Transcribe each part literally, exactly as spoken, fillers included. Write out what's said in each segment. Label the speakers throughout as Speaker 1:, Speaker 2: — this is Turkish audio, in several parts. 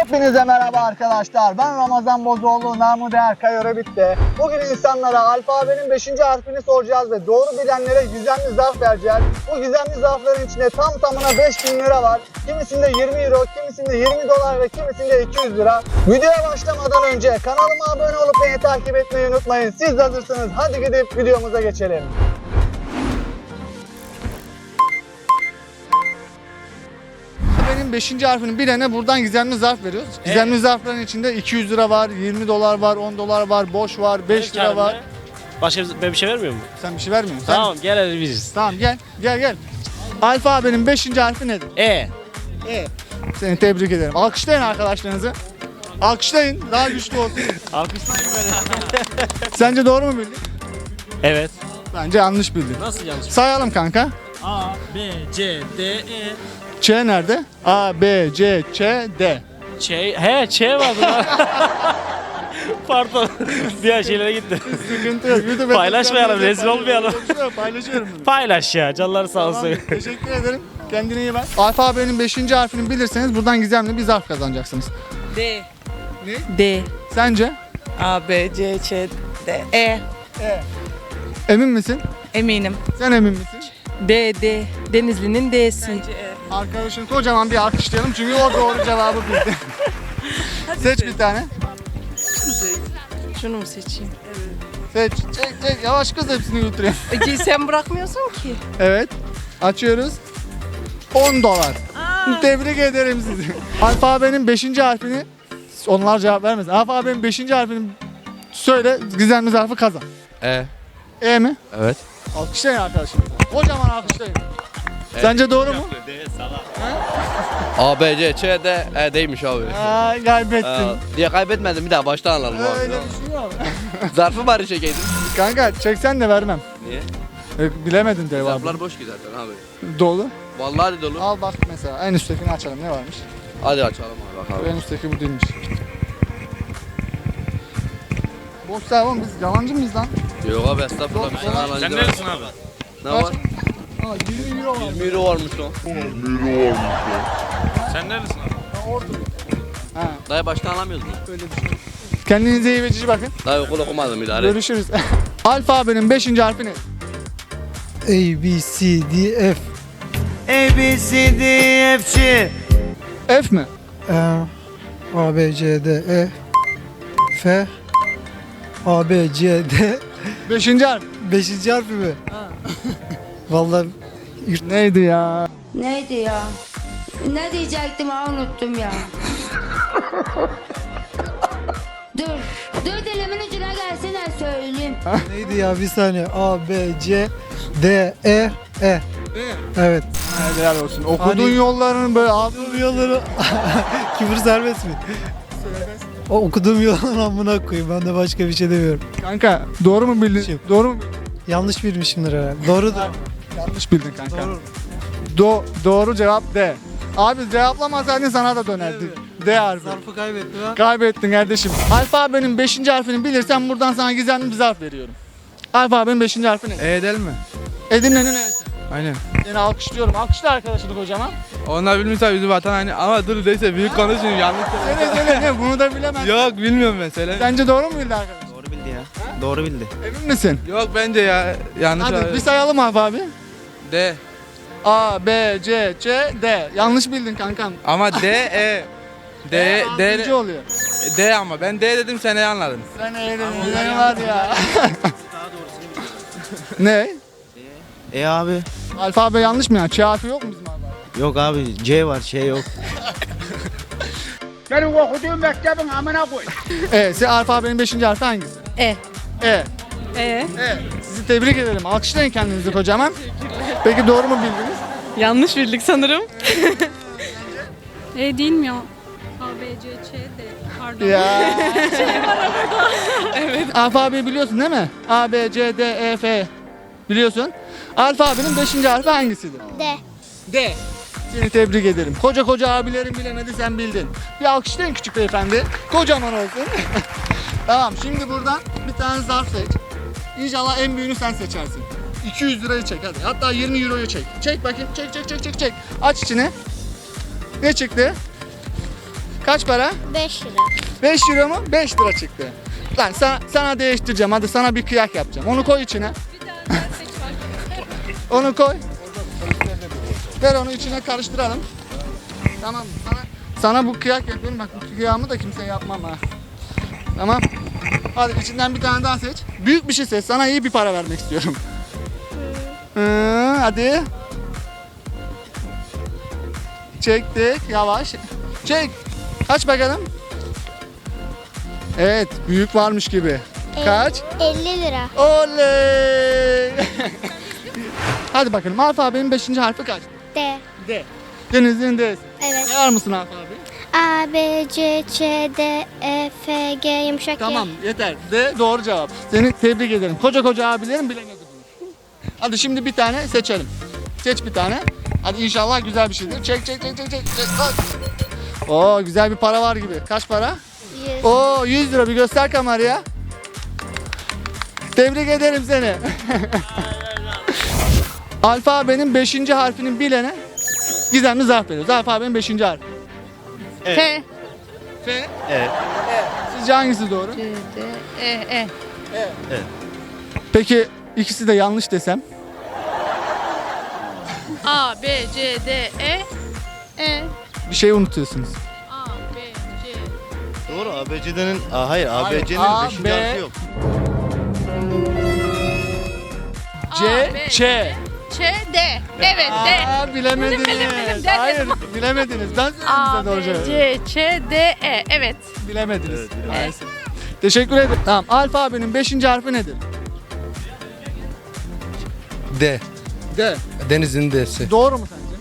Speaker 1: Hepinize merhaba arkadaşlar. Ben Ramazan Bozoğlu, namı değer Kayora bitti. Bugün insanlara alfabenin beşinci harfini soracağız ve doğru bilenlere gizemli zarf vereceğiz. Bu gizemli zarfların içinde tam tamına beş bin lira var. Kimisinde yirmi euro, kimisinde yirmi dolar ve kimisinde iki yüz lira. Videoya başlamadan önce kanalıma abone olup beni takip etmeyi unutmayın. Siz de hazırsınız. Hadi gidip videomuza geçelim. Benim beşinci harfini bilene buradan gizemli zarf veriyoruz. Gizemli evet. Zarfların içinde iki yüz lira var, yirmi dolar var, on dolar var, boş var, beş lira var.
Speaker 2: Başka bir, ben bir şey vermiyor mu?
Speaker 1: Sen bir şey vermiyor musun?
Speaker 2: Tamam, gel hadi biz.
Speaker 1: Tamam gel, gel gel. Alfabenin beşinci harfi nedir?
Speaker 2: E.
Speaker 1: E. Seni tebrik ederim. Alkışlayın arkadaşlarınızı. Alkışlayın, daha güçlü olsun.
Speaker 2: Alkışlayın böyle.
Speaker 1: Sence doğru mu bildin?
Speaker 2: Evet.
Speaker 1: Bence yanlış bildin.
Speaker 2: Nasıl yanlış?
Speaker 1: Sayalım kanka.
Speaker 2: A, B, C, D, E.
Speaker 1: Ç nerede? A, B, C, Ç, D.
Speaker 2: Ç, he Ç vardı lan. Pardon. Diğer şeylere gitti.
Speaker 1: Sıkıntı yok. YouTube'a
Speaker 2: Paylaşmayalım, rezil olmayalım.
Speaker 1: Paylaşıyorum bunu.
Speaker 2: Paylaş ya, canları sağ olsun.
Speaker 1: Tamam, teşekkür ederim. Kendine iyi bak. Alfabenin beşinci harfini bilirseniz buradan gizemli bir zarf kazanacaksınız.
Speaker 3: D.
Speaker 1: Ne?
Speaker 3: D.
Speaker 1: Sence?
Speaker 3: A, B, C, Ç, D, E.
Speaker 1: E. Emin misin?
Speaker 3: Eminim.
Speaker 1: Sen emin misin?
Speaker 3: D, D. Denizli'nin D'si. Bence E.
Speaker 1: Arkadaşını kocaman bir alkışlayalım çünkü o doğru cevabı bildi. Seç bir tane.
Speaker 3: Şunu mu seçeyim?
Speaker 1: Seç. Çek çek. Yavaş kız hepsini götüreyim.
Speaker 3: Peki sen bırakmıyorsun ki.
Speaker 1: Evet. Açıyoruz. on dolar.
Speaker 3: Aa.
Speaker 1: Tebrik ederim sizi. Alfabenin beşinci harfini onlar cevap vermez. Alfabenin beşinci harfini söyle, gizemli zarfı kazan.
Speaker 4: E.
Speaker 1: E mi?
Speaker 4: Evet.
Speaker 1: Alkışlayın arkadaşlar. Kocaman alkışlayın. E. Sence doğru mu?
Speaker 4: A, B, C, Ç, D, E değilmiş abi.
Speaker 1: Aa, kaybettin.
Speaker 4: Ee, diye kaybetmedim, bir daha baştan alalım abi.
Speaker 1: Öyle düşünüyorum.
Speaker 4: Zarfı bari çekeydim.
Speaker 1: Kanka çeksen de vermem.
Speaker 4: Niye?
Speaker 1: E, bilemedin cevabı.
Speaker 4: Zarflar boş ki zaten abi.
Speaker 1: Dolu.
Speaker 4: Vallahi dolu.
Speaker 1: Al bak mesela en üsttekini açalım, ne varmış?
Speaker 4: Hadi açalım abi bak abi.
Speaker 1: En üstteki bu değilmiş. Boş ver oğlum, biz yalancı mıyız lan?
Speaker 4: Yok abi estağfurullah, bir sana alancı
Speaker 2: Sen
Speaker 4: var.
Speaker 2: neredesin abi?
Speaker 4: Ne var?
Speaker 1: Aa, yirmi euro var.
Speaker 4: yirmi euro varmış lan.
Speaker 2: Sen neredesin abi?
Speaker 1: Ben oradayım. Ha,
Speaker 4: Dayı baştan alamıyoruz mu?
Speaker 1: öyle düşün. Kendinize iyi ve cici bakın.
Speaker 4: Dayı okul okumadım idare et.
Speaker 1: Görüşürüz. Alfabenin beşinci harfi ne?
Speaker 5: A, B, C, D, F.
Speaker 6: A, B, C, D, F, G.
Speaker 1: F mi?
Speaker 5: E, A, B, C, D, E. F. A, B, C, D.
Speaker 1: Beşinci harf.
Speaker 5: Beşinci harfi mi? Vallahi
Speaker 1: Neydi ya?
Speaker 7: Neydi ya? Ne diyecektim ha, unuttum ya. Dur. Dur, dilimin ucuna gelsene söyleyeyim.
Speaker 5: neydi ya, bir saniye. A, B, C, D, E, E. Evet.
Speaker 1: Helal olsun. Okuduğun
Speaker 5: Hani-
Speaker 1: yollarını böyle abi.
Speaker 5: Okuduğum yolları... Küfür serbest mi? O okuduğum yolların amına koyayım. Ben de başka bir şey demiyorum.
Speaker 1: Kanka doğru mu bildin?
Speaker 5: Şey-
Speaker 1: Doğru mu?
Speaker 5: Yanlış bilmişimdir herhalde. Doğrudur.
Speaker 1: Yanlış bildin kanka.
Speaker 5: Doğru.
Speaker 1: Do doğru cevap D. Abi cevaplamasaydın sana da dönerdi. D harfi.
Speaker 5: Zarfı kaybettim ha.
Speaker 1: Kaybettin kardeşim. Alfabenin beşinci harfini bilirsen buradan sana gizemli bir zarf veriyorum. Alfabenin beşinci harfi ne?
Speaker 8: E değil mi?
Speaker 1: Edirne'nin E'si.
Speaker 8: Aynen.
Speaker 1: Seni alkışlıyorum. Alkışla arkadaşını kocaman.
Speaker 8: Onlar bilmiyorsa yüzü vatan aynı ama dur neyse büyük konuşun yanlış
Speaker 1: Söyle söyle ne bunu da bilemezsin.
Speaker 8: Yok bilmiyorum ben söyle.
Speaker 1: Sence doğru mu bildi arkadaş?
Speaker 6: Doğru bildi ya. Doğru bildi.
Speaker 1: Emin misin?
Speaker 8: Yok bence ya yanlış.
Speaker 1: Hadi
Speaker 8: abi.
Speaker 1: bir sayalım abi.
Speaker 8: D.
Speaker 1: A, B, C, Ç, D. Yanlış bildin kankam.
Speaker 8: Ama D E. D
Speaker 1: E,
Speaker 8: D
Speaker 1: altıncı oluyor.
Speaker 8: D ama ben D dedim sen ne anladın?
Speaker 1: Sen eğlenin. Ne var ya? Ne?
Speaker 6: E abi.
Speaker 1: Alfabe yanlış mı ya? Ç harfi yok mu bizim alfabe?
Speaker 6: Yok abi. C var, şey yok.
Speaker 1: E, size alfabenin beşinci harfi hangisi?
Speaker 3: E.
Speaker 1: E.
Speaker 3: E.
Speaker 1: E. Sizi tebrik ederim. Alkışlayın kendinizi kocaman. Peki doğru mu bildiniz?
Speaker 3: Yanlış bildik sanırım.
Speaker 9: E değil mi ya? A, B, C, Ç, D. Pardon.
Speaker 1: Ya. Evet. Alfabeyi biliyorsun değil mi? A, B, C, D, E, F. Biliyorsun. Alfabenin beşinci harfi hangisidir?
Speaker 7: D.
Speaker 1: D. Seni tebrik ederim. Koca koca abilerin bilemedi, sen bildin. Bir alkışlayın küçük beyefendi. Kocaman olsun. Tamam, şimdi buradan bir tane zarf seç. İnşallah en büyüğünü sen seçersin. iki yüz lirayı çek hadi. Hatta yirmi euroyu çek. Çek bakayım. Çek çek çek çek çek. Aç içine. Ne çıktı? Kaç para?
Speaker 7: beş lira.
Speaker 1: beş euro mu? beş lira çıktı. Lan sana, sana değiştireceğim. Hadi sana bir kıyak yapacağım. Onu koy içine. Onu koy. Ver onu içine karıştıralım. Tamam. Sana, sana bu kıyak yapıyorum. Bak bu kıyağımı da kimseye yapmam ha. Tamam. Hadi içinden bir tane daha seç. Büyük bir şey seç. Sana iyi bir para vermek istiyorum. Hı, hadi. Çektik. Yavaş. Çek. Aç bakalım. Evet. Büyük varmış gibi. Kaç?
Speaker 7: elli lira.
Speaker 1: Oley. Hadi bakalım. Alfabenin beşinci harfi kaç?
Speaker 7: D.
Speaker 1: D. Denizli'nin D'si.
Speaker 7: Evet.
Speaker 1: Sayar mısın alfabeyi?
Speaker 7: A, B, C, Ç, D, E, F, G yumuşak
Speaker 1: Tamam yeter. D doğru cevap. Seni tebrik ederim. Koca koca abilerim bilemedi bunu. Hadi şimdi bir tane seçelim. Seç bir tane. Hadi inşallah güzel bir şeydir. Çek çek çek çek çek. çek. Hadi. Oo güzel bir para var gibi. Kaç para?
Speaker 7: yüz.
Speaker 1: Oo yüz lira, bir göster kameraya. Tebrik ederim seni. Alfabenin beşinci harfinin bilene gizemli zarf veriyoruz. Alfabenin beşinci harfi.
Speaker 3: T.
Speaker 1: F.
Speaker 6: Evet.
Speaker 1: Sizce hangisi doğru?
Speaker 3: C, D, E, E.
Speaker 1: Peki ikisi de yanlış desem?
Speaker 3: A, B, C, D, E. E.
Speaker 1: Bir şey unutuyorsunuz.
Speaker 3: A, B, C.
Speaker 6: Doğru A B C'nin Aa, hayır
Speaker 1: Hayır,
Speaker 6: A B C'nin
Speaker 1: A,
Speaker 6: beşinci
Speaker 1: B.
Speaker 6: harfi yok.
Speaker 1: C,
Speaker 3: A, B,
Speaker 1: Ç.
Speaker 3: Ç, D. Evet, D.
Speaker 1: Aa, bilemediniz.
Speaker 3: Bildim, bildim, bildim. Der
Speaker 1: Hayır, bilemediniz. Ben söyledim
Speaker 3: A,
Speaker 1: size doğru
Speaker 3: B,
Speaker 1: cevabı.
Speaker 3: C, Ç, D, E. Evet.
Speaker 1: Bilemediniz.
Speaker 6: Evet,
Speaker 1: Maalesef. Teşekkür ederim. Tamam, alfabenin beşinci harfi nedir?
Speaker 8: D.
Speaker 1: D.
Speaker 8: Denizli'nin D'si.
Speaker 1: Doğru mu sence?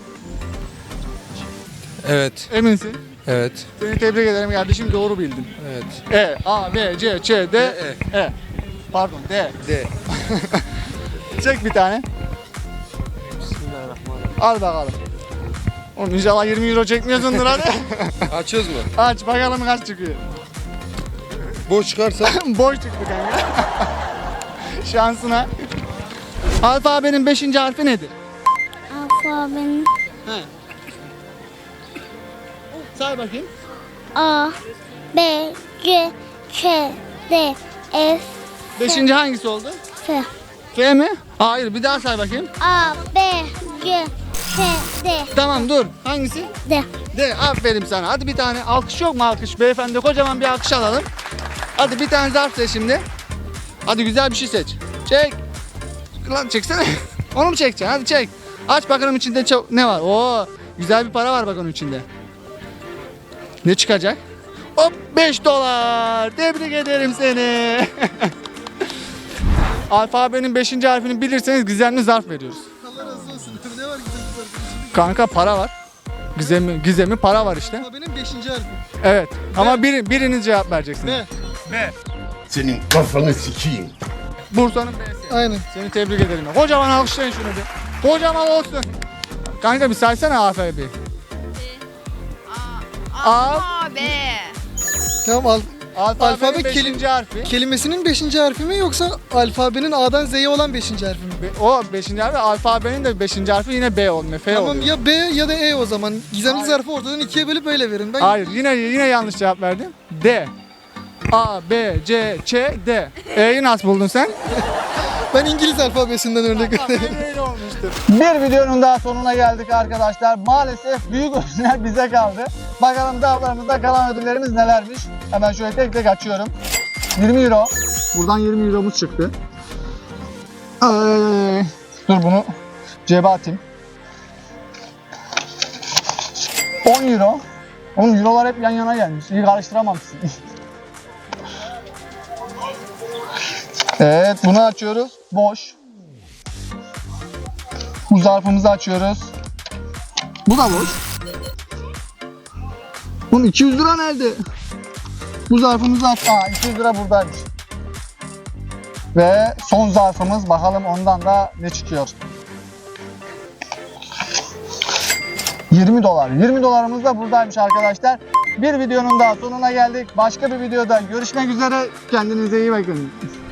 Speaker 8: Evet.
Speaker 1: Eminsin.
Speaker 8: Evet.
Speaker 1: Seni tebrik ederim kardeşim, doğru bildin.
Speaker 8: Evet.
Speaker 1: E, A, B, C, Ç, D,
Speaker 8: D,
Speaker 1: E. Pardon, D.
Speaker 8: D.
Speaker 1: Çek bir tane. Al bakalım. Oğlum inşallah yirmi euro çekmiyorsundur hadi.
Speaker 8: Açıyoruz mu?
Speaker 1: Aç bakalım kaç çıkıyor.
Speaker 8: Boş çıkarsa
Speaker 1: Boş çıktı kanka. Şansına. Alfabenin beşinci harfi nedir?
Speaker 7: Alfabenin
Speaker 1: He. Say bakayım.
Speaker 7: A, B, C, Ç, D, E,
Speaker 1: Beşinci hangisi oldu?
Speaker 7: F.
Speaker 1: F mi? Hayır, bir daha say bakayım.
Speaker 7: A, B, C, Ç, D,
Speaker 1: Tamam dur. Hangisi?
Speaker 7: D.
Speaker 1: De, aferin sana. Hadi bir tane alkış yok mu alkış? Beyefendi kocaman bir alkış alalım. Hadi bir tane zarf seç şimdi. Hadi güzel bir şey seç. Çek. Lan çeksene. Onu mu çekeceksin? Hadi çek. Aç bakalım içinde ço- ne var? Oo, güzel bir para var bak onun içinde. Ne çıkacak? Hop beş dolar. Tebrik ederim seni. Alfabenin beşinci harfini bilirseniz gizemli zarf veriyoruz. Kanka para var. Gizemi, gizemi para var işte.
Speaker 5: Benim beşinci harfi.
Speaker 1: Evet. Ama biri, biriniz cevap vereceksiniz.
Speaker 5: Ne?
Speaker 1: B.
Speaker 10: Senin kafanı sikeyim.
Speaker 1: Bursa'nın B'si.
Speaker 5: Aynen.
Speaker 1: Seni tebrik ederim. Kocaman alkışlayın şunu bir. Kocaman olsun. Kanka bir saysana alfabeyi. A.
Speaker 3: A, B.
Speaker 5: Tamam al.
Speaker 1: Alfabenin
Speaker 5: Alfabe
Speaker 1: beşinci harfi.
Speaker 5: Kelimesinin beşinci harfi mi yoksa alfabenin A'dan Z'ye olan beşinci harfi mi?
Speaker 1: Be- O beşinci harfi. Alfabenin de beşinci harfi yine B olmuyor. F
Speaker 5: Tamam
Speaker 1: oluyor.
Speaker 5: ya B ya da E o zaman. Gizemli
Speaker 1: Hayır.
Speaker 5: zarfı ortadan ikiye bölüp öyle verin. Ben
Speaker 1: Hayır yine yine yanlış cevap verdin. D. A, B, C, Ç, D. E'yi nasıl buldun sen?
Speaker 5: ben İngiliz alfabesinden örnek veriyorum.
Speaker 1: Bir videonun daha sonuna geldik arkadaşlar. Maalesef büyük ödüller bize kaldı. Bakalım dağlarımızda kalan ödüllerimiz nelermiş. Hemen şöyle tek tek açıyorum. yirmi euro. Buradan yirmi euromuz çıktı. Ay, dur bunu cebe atayım. on euro. Oğlum eurolar hep yan yana gelmiş. İyi karıştıramamışsın. Evet, bunu açıyoruz. Boş. Bu zarfımızı açıyoruz. Bu da boş. Bunun iki yüz lira nerede? Bu zarfımızı aç. Aa, iki yüz lira buradaymış. Ve son zarfımız, bakalım ondan da ne çıkıyor. yirmi dolar. yirmi dolarımız da buradaymış arkadaşlar. Bir videonun daha sonuna geldik. Başka bir videoda görüşmek üzere. Kendinize iyi bakın.